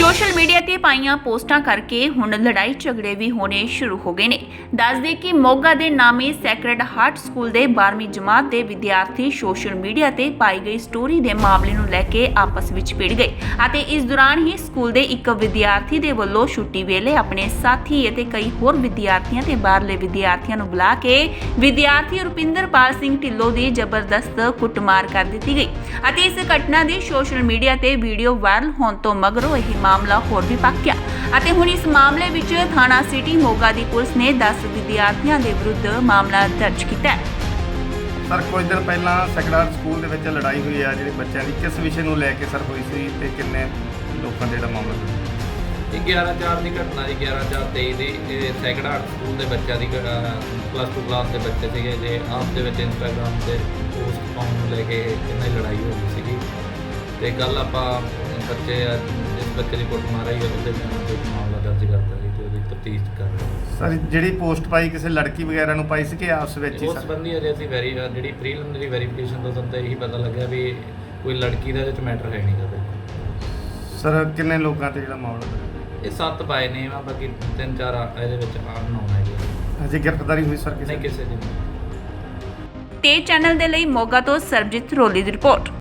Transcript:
Social media ते पाईयां पोस्टां करके हुण लड़ाई झगड़े भी होने शुरू हो गए ने। दस दे कि मोगा दे नामी सैक्रेड हार्ट स्कूल दे 12वीं जमात दे विद्यार्थी सोशल मीडिया ते पाई गई स्टोरी दे मामले नूं लैके आपस विच भिड़ गए अते इस दौरान ही स्कूल दे एक विद्यार्थी दे वल्लों छुट्टी वेले अपने साथी अते कई होर विद्यार्थियों ते बाहरले विद्यार्थियों नूं बुला के विद्यार्थी रुपिंदरपाल सिंह ढिल्लों दी जबरदस्त कुटमार कर दित्ती गई अते इस घटना दी सोशल मीडिया ते वीडियो वायरल होण तों मगरों यह मामला होर भी पक्या अते हुण इस मामले विच थाना सिटी मोगा दी पुलिस ने 10 विद्यार्थियों के विरुद्ध मामला दर्ज किया है। सर कुछ दिन पहला सैक्रेड स्कूल ਦੇ ਵਿੱਚ ਲੜਾਈ ਹੋਈ ਆ ਜਿਹੜੇ ਬੱਚਿਆਂ ਦੀ ਕਿਸ ਵਿਸ਼ੇ ਨੂੰ ਲੈ ਕੇ ਸਰ ਹੋਈ ਸੀ ਤੇ ਕਿੰਨੇ ਲੋਕਾਂ ਦਾ ਜਿਹੜਾ ਮਾਮਲਾ ਸੀ? 11/4 ਦੀ ਘਟਨਾ ਜੀ 11/4/23 ਦੀ ਇਹ ਸੈਕਰਡ ਸਕੂਲ ਦੇ ਬੱਚਿਆਂ ਦੀ +2 ਕਲਾਸ ਦੇ ਬੱਚੇ ਸੀਗੇ ਜੇ ਆਪ ਦੇ ਵਿੱਚ ਇੰਸਟਾਗ੍ਰਾਮ ਤੇ ਪੋਸਟ ਪਾਉਣ ਨੂੰ ਲੈ ਕੇ ਇਹਨਾਂ ਦੀ ਲੜਾਈ ਹੋ ਗਈ ਸੀਗੀ ਤੇ ਕੱਲ ਆਪਾਂ ਬੱਚੇ ਜਿਸ ਬੱਚੇ ਦੀ ਕੁੱਟਮਾਰ ਆਈ ਉਹਦੇ ਬਿਆਨ ਤੇ ਮਾਮਲਾ ਦਰਜ ਕਰਤਾ ਜੀ ਤੇ ਉਹਦੀ ਤਫਤੀਸ਼ ਕਰ ਰਹੇ ਹਾਂ। ਸਰ ਜਿਹੜੀ ਪੋਸਟ ਪਾਈ ਕਿਸੇ ਲੜਕੀ ਵਗੈਰਾ ਨੂੰ ਪਾਈ ਸੀ ਕਿ ਆਪਸ ਵਿੱਚ ਹੀ ਉਸ ਸਰ? ਸੰਬੰਧੀ ਅਜੇ ਅਸੀਂ ਜਿਹੜੀ ਪ੍ਰੀਲਿਮਿਨਰੀ ਵੈਰੀਫਿਕੇਸ਼ਨ ਤੋਂ ਸਾਨੂੰ ਤਾਂ ਇਹੀ ਪਤਾ ਲੱਗਿਆ ਵੀ ਕੋਈ ਲੜਕੀ ਦਾ ਇਹਦੇ ਵਿੱਚ ਮੈਟਰ ਹੈ ਨਹੀਂ ਕਦੇ। ਸਰ ਕਿੰਨੇ ਲੋਕਾਂ ਤੇ ਜਿਹੜਾ ਮਾਮਲਾ ਹੋਇਆ? ਇਹ 7 ਪਾਏ ਨੇ ਆ ਬਾਕੀ 3-4 ਇਹਦੇ ਵਿੱਚ ਅਨਨੋਨ ਹੈਗੇ। ਅਜੇ ਗ੍ਰਿਫਤਾਰੀ ਹੋਈ ਸਰ ਨਹੀਂ ਕਿਸੇ ਕਿਸੇ ਦੀ ਤੇ ਚੈਨਲ ਦੇ ਲਈ ਮੋਗਾ ਤੋਂ ਸਰਬਜੀਤ ਰੋਲੀ ਦੀ ਰਿਪੋਰਟ।